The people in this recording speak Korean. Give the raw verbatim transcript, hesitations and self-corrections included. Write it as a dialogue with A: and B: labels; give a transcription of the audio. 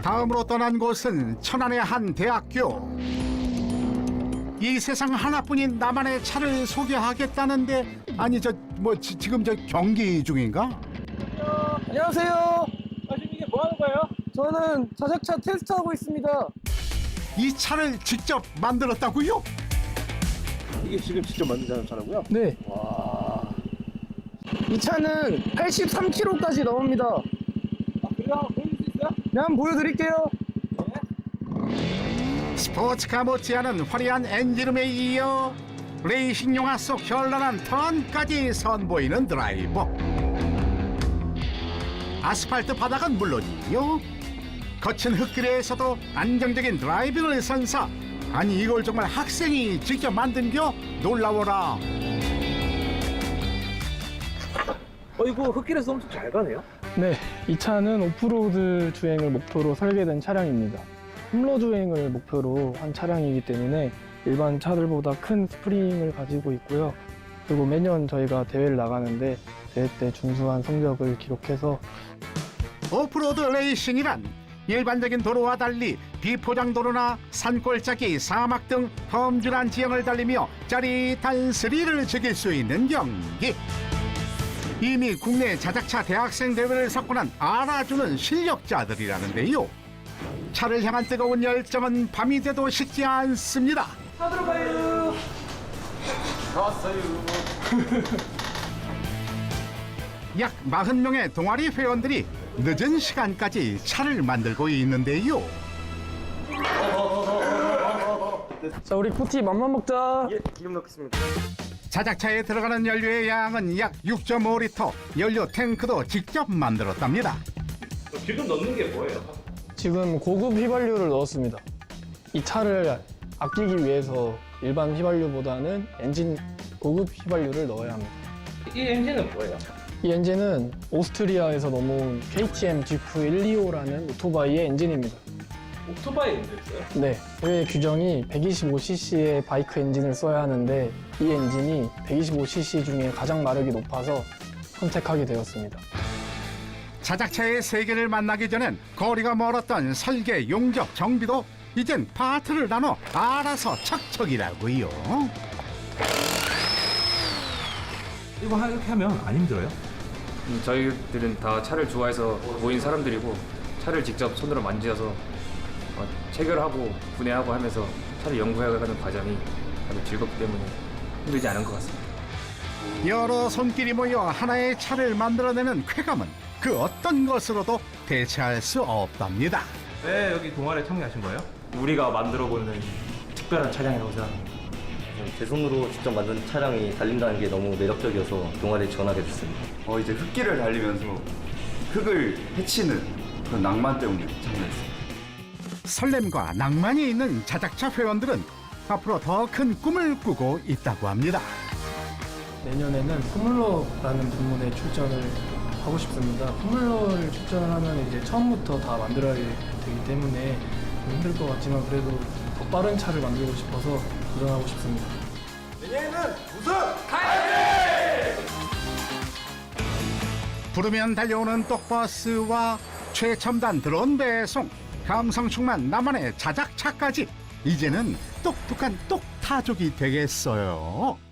A: 다음으로 떠난 곳은 천안의 한 대학교. 이 세상 하나뿐인 나만의 차를 소개하겠다는데, 아니 저 뭐 지금 저 경기 중인가?
B: 안녕하세요.
C: 아, 지금 이게 뭐 하는 거예요?
B: 저는 자작차 테스트하고 있습니다.
A: 이 차를 직접 만들었다고요?
C: 이게 지금 직접 만든 자동차라고요?
B: 네.
C: 와.
B: 이 차는 팔십삼 킬로미터까지 나옵니다.
C: 아, 그래요? 한번 보여줄 수 있어요?
B: 네, 한번 보여드릴게요.
A: 스포츠카 못지않은 화려한 엔진음에 이어 레이싱 영화 속 현란한 턴까지 선보이는 드라이버. 아스팔트 바닥은 물론이요, 거친 흙길에서도 안정적인 드라이빙을 선사. 아니 이걸 정말 학생이 직접 만든겨? 놀라워라.
C: 어, 이거 흙길에서 엄청 잘 가네요?
B: 네, 이 차는 오프로드 주행을 목표로 설계된 차량입니다. 홈로 주행을 목표로 한 차량이기 때문에 일반 차들보다 큰 스프링을 가지고 있고요. 그리고 매년 저희가 대회를 나가는데 대회 때 준수한 성적을 기록해서
A: 오프로드 레이싱이란 일반적인 도로와 달리 비포장도로나 산골짜기, 사막 등 험준한 지형을 달리며 짜릿한 스릴을 즐길 수 있는 경기. 이미 국내 자작차 대학생 대회를 석권한 알아주는 실력자들이라는데요. 차를 향한 뜨거운 열정은 밤이 돼도 식지 않습니다.
B: 차 들어가요.
A: 약 사십 명의 동아리 회원들이 늦은 시간까지 차를 만들고 있는데요.
B: 자, 우리 코티 맘만 먹자.
C: 예, 기름 넣겠습니다.
A: 자작차에 들어가는 연료의 양은 약 육 점 오 리터, 연료 탱크도 직접 만들었답니다.
C: 기름 넣는 게 뭐예요?
B: 지금 고급 휘발유를 넣었습니다. 이 차를 아끼기 위해서 일반 휘발유보다는 엔진 고급 휘발유를 넣어야 합니다.
C: 이 엔진은 뭐예요?
B: 이 엔진은 오스트리아에서 넘어온 케이티엠 지프 백이십오라는 오토바이의 엔진입니다.
C: 오토바이 엔진 있어요?
B: 네, 대회 규정이 백이십오 씨씨의 바이크 엔진을 써야 하는데 이 엔진이 백이십오 씨씨 중에 가장 마력이 높아서 선택하게 되었습니다.
A: 자작차의 세계를 만나기 전엔 거리가 멀었던 설계, 용접, 정비도 이젠 파트를 나눠 알아서 척척이라고요.
D: 이거 이렇게 하면 안 힘들어요?
E: 음, 저희들은 다 차를 좋아해서 모인 사람들이고 차를 직접 손으로 만지어서 어, 체결하고 분해하고 하면서 차를 연구해가는 과정이 아주 즐겁기 때문에 힘들지 않은 것 같습니다.
A: 여러 손길이 모여 하나의 차를 만들어내는 쾌감은 그 어떤 것으로도 대체할 수 없답니다.
D: 왜 여기 동아리에 참여하신 거예요?
E: 우리가 만들어보는 특별한 차량이라고 생각합니다.
F: 제 손으로 직접 만든 차량이 달린다는 게 너무 매력적이어서 동아리에 지원하게 됐습니다.
G: 어, 이제 흙길을 달리면서 흙을 헤치는 그런 낭만 때문에 참여했어요.
A: 설렘과 낭만이 있는 자작차 회원들은 앞으로 더 큰 꿈을 꾸고 있다고 합니다.
B: 내년에는 포뮬러라는 부문에 출전을 하고 싶습니다. 포뮬러를 출전을 하면 이제 처음부터 다 만들어야 되기 때문에 좀 힘들 것 같지만 그래도 더 빠른 차를 만들고 싶어서 도전하고 싶습니다.
A: 부르면 달려오는 똑버스와 최첨단 드론 배송, 감성 충만 나만의 자작차까지 이제는 똑똑한 똑타족이 되겠어요.